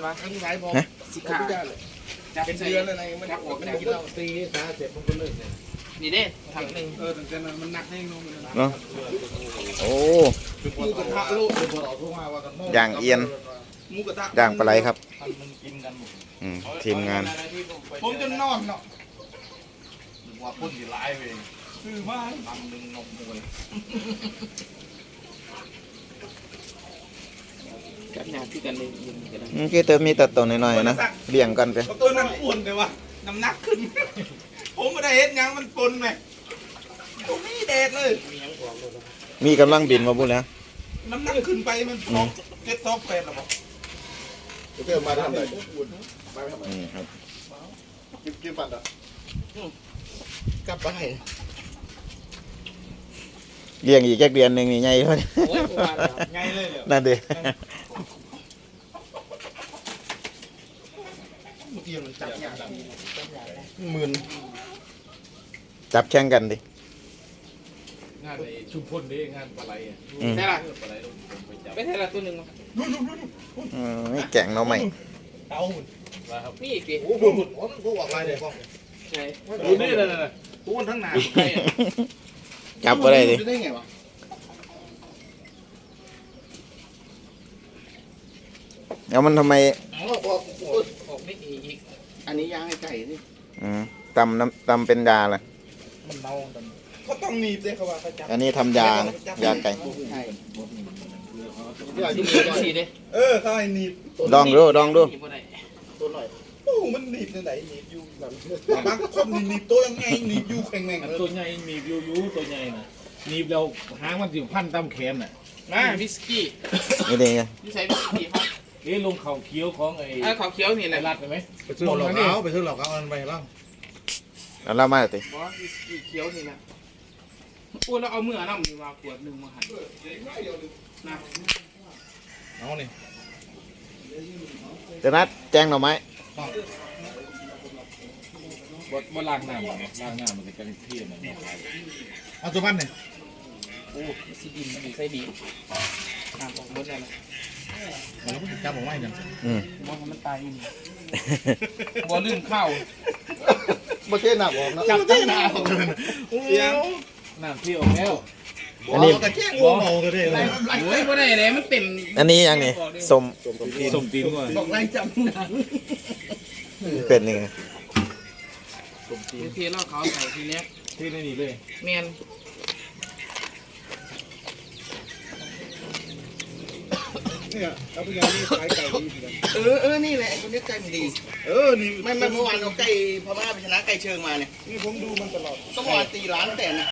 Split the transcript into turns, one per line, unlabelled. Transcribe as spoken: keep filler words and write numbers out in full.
วะทั้งสายพอสิขาเป็นเดือนอะไรมันออกจากกินเหล้าตีสาเสร็จมันก็เลิกเลยนี่เด้ถังหนึ่งเออแต่แต่มันหนักให้น้องเนาะ
โอ้
มูกระทะโลด
ย่างเอียนย่างปลาไหลครับทีมงาน
ผมจะนอนเนาะว่าพ่นที่ร้ายไปคือมาทำหนึ่งนกมวยกันยาที่กันเลยยิงกัน
เมื่อกี้เติมมีตัดตัวหน่อยๆนะเบี่ยงกันไป
ตัวนั้นอ้วนเลยว่ะน้ำหนักขึ้นผมไม่ได้เห็นยังมันปนไหมผมไม่แดดเลย
มีกำลังบินมาบุญแล้ว
น้ำหนักขึ้นไปมันซอกเจ็ดซอกแปดหรอบอก
เติมมาทำอะไร
นี่ครับ
กินกินปั่นอ่ะ
กลับไป
เลี้ยงอีกแค่เดือนหนึ่งนี่ไงเท่านี้
ไงเลย
นั่นเด้
หมื่น
จับแข่งกันดิ
งานชุมพลดิงานปลาไหลอ่ะใช่ละไม่ใช่ละตัวหนึ่ง
ไม่แก่งเนาะใหม่
เต่าหุ่นนี่อีกดิ
โอ้โหหุ่นโอ้โหออกลายเลยพ่อ
ใช่ดูนี่เลยเลยทุกคนทั้งหนา
จับอะไรดิ
ได้ไงวะ
แล้วมันทำไม
ออกออกออกไม่อีกอันนี้ย่างให้ไก่นี่
อืมตำน้ำตำเป็นยาเลย
มันเมาเขาต้องหนีบเลยเขาว่าเขาจับ
อันนี้ทำยานะยาไก่
ใช่สีเด้เออเขาให้หนีบ
ลองดูลองดู
ตัวหน่อยโอ้มันหนีบไหนหนีบอยู่แบบบางคนหนีบตัวยังไงหนีบอยู่แข็งแรง
ตัวใหญ่หนีบยูยูตัวใหญ่น่ะหนีบเราหางมันสิพันตามแขนน่ะ
มาวิสกี้
นี่ดีไง
นี่ใส่วิสกี้ครับ
เอ๊ะลงเข่าเคี้ยวของไอ้
ไอ้เขาเคี้ยวนี่แหละ
รัดไปไหม
ไปซื้อหลอกเขาไปซื้อหลอกเขาอันไปแล้ว
แล้วเรามาติ
บอสวิสกี้เคี้ยวนี่แหละอ้วนแล้วเอาเมื่อน้ำนี่มาขวดหนึ่งมาหั่นนะ
เอาเนี่ย
จะนัดแจ้งหน่อไม้
บดบดล้างน้ำไงล้างน้ำมันจะกันเที่ยมัน
เอาตัวพันเนี่ย
โอ้ซีดินใส่ดีน้ำออกหมดเลยนะ
เราก็จับออกไว้กัน
อืม
มองมันตายอีกบัวลื่นเข้า
บ่เท่หนักออกนะ
จับตั้งหน้าออกเลย
เสียงน้ำที่ออกแล้ว
อันนี้
กระแจ้งวัวเมาก็ได้เลย
โอ้ยบ่ได้เลยมันเป็น
อันนี้ยังนี่สม
สมตีนก่อน
บอกไรจับหน้า
เป็นยังไง
สมตีนเทแล้วเขาใส่ทีเนี้ย
ที่นี่เลย
แมน
เนี่ยเอาไปยังนี่ขายไก่ดี
เออเออนี่แหละคนนี้ไก่มันดี
เออนี่
ไม่ไม่เมื่อวานเราไก่พม่าไปชนะไก่เชิงมาเนี่ย
นี่ผมดูมันตลอด
ก็เมื่อวานตีร้านแต่นะ